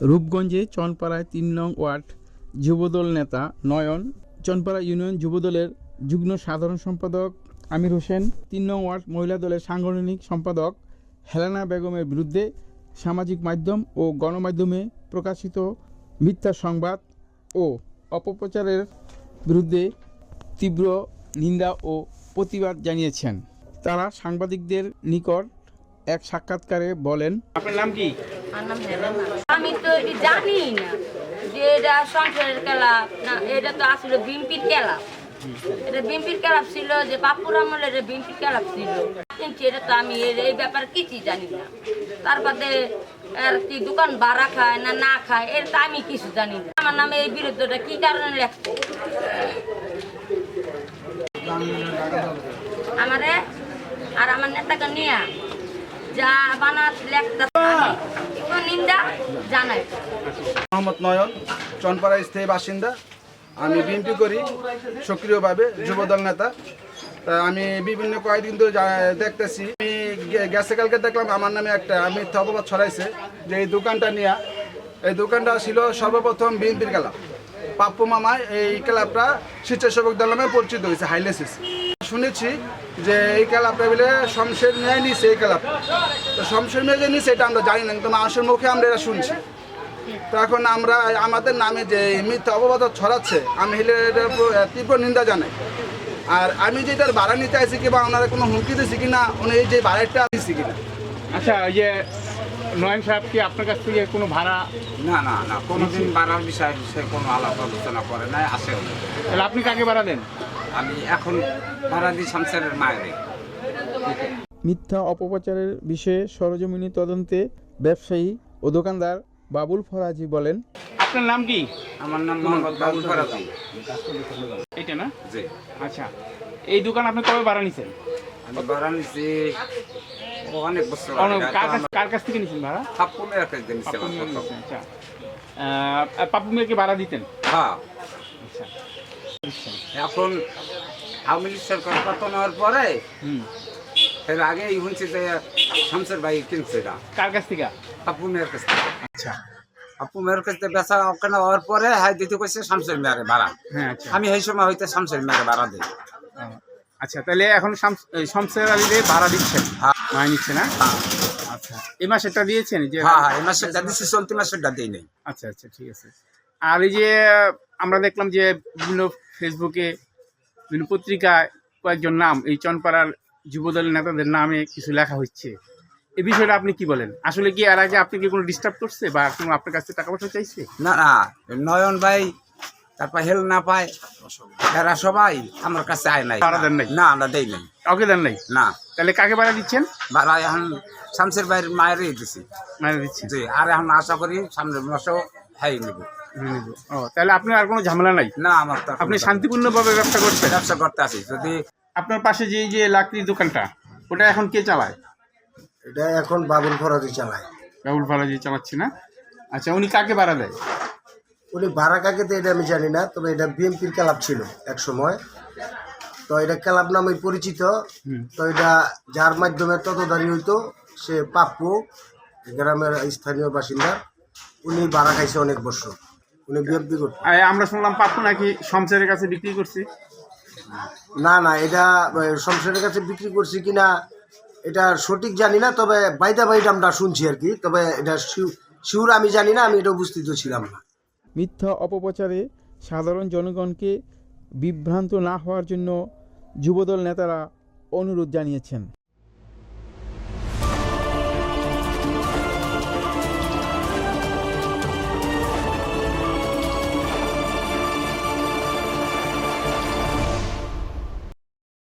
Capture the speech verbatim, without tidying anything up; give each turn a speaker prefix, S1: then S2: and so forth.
S1: রূপগঞ্জে চনপাড়ায় তিন নং ওয়ার্ড যুবদল নেতা নয়ন, চনপাড়া ইউনিয়ন যুবদলের যুগ্ম সাধারণ সম্পাদক আমির হোসেন, তিন নং ওয়ার্ড মহিলা দলের সাংগঠনিক সম্পাদক হেলেনা বেগমের বিরুদ্ধে সামাজিক মাধ্যম ও গণমাধ্যমে প্রকাশিত মিথ্যা সংবাদ ও অপপ্রচারের বিরুদ্ধে তীব্র নিন্দা ও প্রতিবাদ জানিয়েছেন। তারা সাংবাদিকদের নিকট এক সাক্ষাৎকারে বলেন, আপনার নাম কি?
S2: আমি তো এটি জানি না যে এটা সংসারের ক্লাব না, এটা তো আসলে বিএনপির ক্লাব। এটা বিএনপির ক্লাব ছিল, যে বাপুর আমলের বিএনপির ক্লাব ছিল, কিন্তু এটা তো আমি এই ব্যাপারে কিছুই জানি না। তারপরে আর কি দোকান ভাড়া খায় না না খায় এটা তো আমি কিছু জানি না। আমার নামে এই বিরুদ্ধটা কি কারণে লেখছে আমারে আর আমার নেতাকে নিয়ে যা বানাত লেখতে নিন্দা জানাই।
S3: মোহাম্মদ নয়ন, চনপাড়া স্থায়ী বাসিন্দা। আমি বিএনপি করি সক্রিয়ভাবে, যুবদল নেতা। তা আমি বিভিন্ন কয়েকদিন ধরে দেখতেছি, আমি গেছে কালকে দেখলাম আমার নামে একটা মিথ্যা অপবাদ ছড়াইছে যে এই দোকানটা নিয়ে, এই দোকানটা ছিল সর্বপ্রথম বিএনপির ক্লাব। পাপ্পু মামায় এই ক্লাবটা স্বেচ্ছাসেবক দল নামে পরিচিত হয়েছে, হাইলেসিস। শুনেছি যে এই ক্লাবটা বলে শমশের মেয়ে নিছে, এই ক্লাব তো শমশের মেয়ে যে নিছে এটা আমরা জানি না, কিন্তু মানুষের মুখে আমরা এটা শুনছি। তো এখন আমরা আমাদের নামে যে মিথ্যা অপবাদ ছড়াচ্ছে, আমি হলে এটার তীব্র নিন্দা জানাই। আর আমি যে এটার ভাড়া নিতে আসি কিংবা ওনারা কোনো হুমকি দিচ্ছি কিনা, উনি এই যে ভাড়াটা দিচ্ছি কিনা।
S1: আচ্ছা, ওই যে নয়ন সাহেব কি আপনার কাছ থেকে কোনো ভাড়া?
S4: না না না, কোনোদিন ভাড়ার বিষয়ে সে কোনো আলাপ আলোচনা করে নাই, আসেও না।
S1: তাহলে আপনি কাকে ভাড়া দেন?
S4: আমি এখন ভাড়া দিই শামসেরের মায়ের।
S1: মিথ্যা অপপ্রচারের বিষয়ে সরজমিনী তদন্তে ব্যবসায়ী ও দোকানদার বাবুল ফরাজি বলেন, আপনার নাম কি?
S4: আমার নাম মোহাম্মদ বাবুল ফরাজি।
S1: এটা না?
S4: জি।
S1: আচ্ছা, এই দোকান আপনি কবে ভাড়া নিছেন?
S4: আমি ভাড়া নিছি অনেক বছর
S1: অনেক-
S4: আগে।
S1: কার কাছ- কার কাছ থেকে নিছেন ভাড়া?
S4: পাপ্পু মেয়ের কাছে নিছিলাম
S1: পাপ্পু মিয়া
S4: প্রথম।
S1: নিছেন, আচ্ছা। আহ, পাপ্পু মিয়াকে ভাড়া দিতেন?
S4: হ্যাঁ।
S1: আচ্ছা।
S4: এখন আওয়ামী লীগ সরকার পতন হওয়ার পরে
S1: হুম।
S4: এর আগে শুনছি যে শামসের ভাই কিনছে এটা
S1: কার কাছ থেকে?
S4: পাপ্পু মেয়ের কাছ থেকে।
S1: আচ্ছা।
S4: পাপ্পু মেয়ের কাছ থেকে বেচা কেনা হওয়ার পরে হ্যাঁ দিতে কইছে শামসের মেয়ের ভাড়া।
S1: হ্যাঁ, আচ্ছা।
S4: আমি এই সময় হইতে শামসের মেয়ের ভাড়া দিই।
S1: আচ্ছা, তাহলে এখন শামস- এই শমশের আলীরে ভাড়া দিচ্ছেন?
S4: হ্যাঁ।
S1: মায় নিচ্ছে না?
S4: হ্যাঁ
S1: আচ্ছা, এই মাসেরটা দিয়েছেন? যে
S4: হ্যাঁ হ্যাঁ, এই মাসেরটা দিচ্ছি, চলতি মাসেরটা দিই নেই।
S1: আচ্ছা আচ্ছা, ঠিক আছে। আর এই যে আমরা দেখলাম যে বিভিন্ন ফেসবুকে, বিভিন্ন পত্রিকায় কয়েকজন নাম, এই চনপাড়ার যুবদলের নেতাদের নামে কিছু লেখা হচ্ছে, এই বিষয়টা আপনি কি বলেন? আসলে কি এর আগে আপনি কি কোনো ডিস্টার্ব করছে বা কোনো আপনার কাছ থেকে টাকা পয়সা চাইছে?
S4: না না, নয়ন ভাই তারপর হেল না পায়, এরা সবাই আমার কাছে আয় নাই।
S1: ভাড়া দেন নাই?
S4: না, আমরা দেই নাই।
S1: কাউকে দেন নাই?
S4: না,
S1: তাহলে কাকে ভাড়া দিচ্ছেন?
S4: ভাড়া এখন শামসের ভাইয়ের মায়েরই দিছি।
S1: মানে দিচ্ছেন?
S4: জি, আর এখন আশা করি সামনের মাসেও হ্যাঁ নেব।
S1: ও, তাহলে আপনার আর কোনো ঝামেলা নাই?
S4: না, আমার তো
S1: আপনি শান্তিপূর্ণভাবে ব্যবসা করছেন?
S4: ব্যবসা করতে আছি। যদি
S1: আপনার পাশে যে এই যে লাকড়ির দোকানটা, ওটা এখন কে চালায়?
S5: এটা এখন বাবুল ফরাজি চালায়।
S1: রাহুল ফারাজি চালাচ্ছে না? আচ্ছা, উনি কাকে ভাড়া দেয়?
S5: উনি ভাড়া কাকে তো এটা আমি জানি না, তবে এটা বিএনপির ক্লাব ছিল এক সময়। তো এটা ক্লাব নামে পরিচিত। তো এটা যার মাধ্যমে ততদারি হইতো সে পাপ্পু, গ্রামের স্থানীয় বাসিন্দা। উনি ভাড়া খাইছে অনেক বছর, উনি বিএনপি করতেন।
S1: আর আমরা শুনলাম পাপ্পু নাকি শমশেরের কাছে বিক্রি করছে।
S5: না না, এটা শমশেরের কাছে বিক্রি করছি কিনা এটা সঠিক জানি না, তবে বাইদা বাইটা আমরা শুনছি আর কি। তবে এটা শিউর আমি জানি না, আমি এটা উপস্থিত ছিলাম না।
S1: মিথ্যা অপপ্রচারে সাধারণ জনগণকে বিভ্রান্ত না হওয়ার জন্য যুবদল নেতারা অনুরোধ জানিয়েছেন।